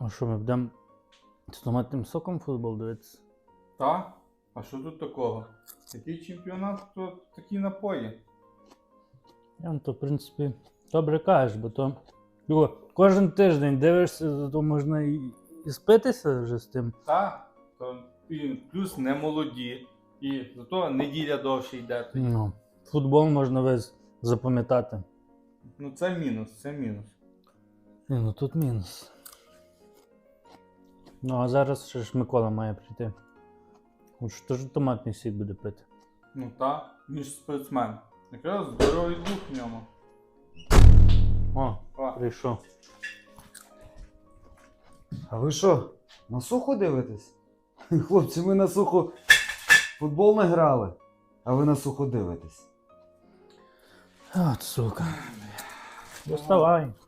А що, ми будемо з томатним соком футбол дивитися? Та? А що тут такого? Такий чемпіонат, то такі напої. То, в принципі, добре кажеш, бо то кожен тиждень дивишся, то можна і спитися вже з тим. Та? То і плюс не молоді. І зато неділя довше йде тоді. Ну, футбол можна весь запам'ятати. Ну це мінус, це мінус. Ну тут мінус. Ну а зараз ще ж Микола має прийти. От теж томатний сік буде пити. Ну та, він ж спортсмен. Якраз здоровий дух в ньому. О, А. прийшов. А ви що, на сухо дивитесь? Хлопці, ми на сухо футбол не грали, а ви на сухо дивитесь. От, сука. Доставай.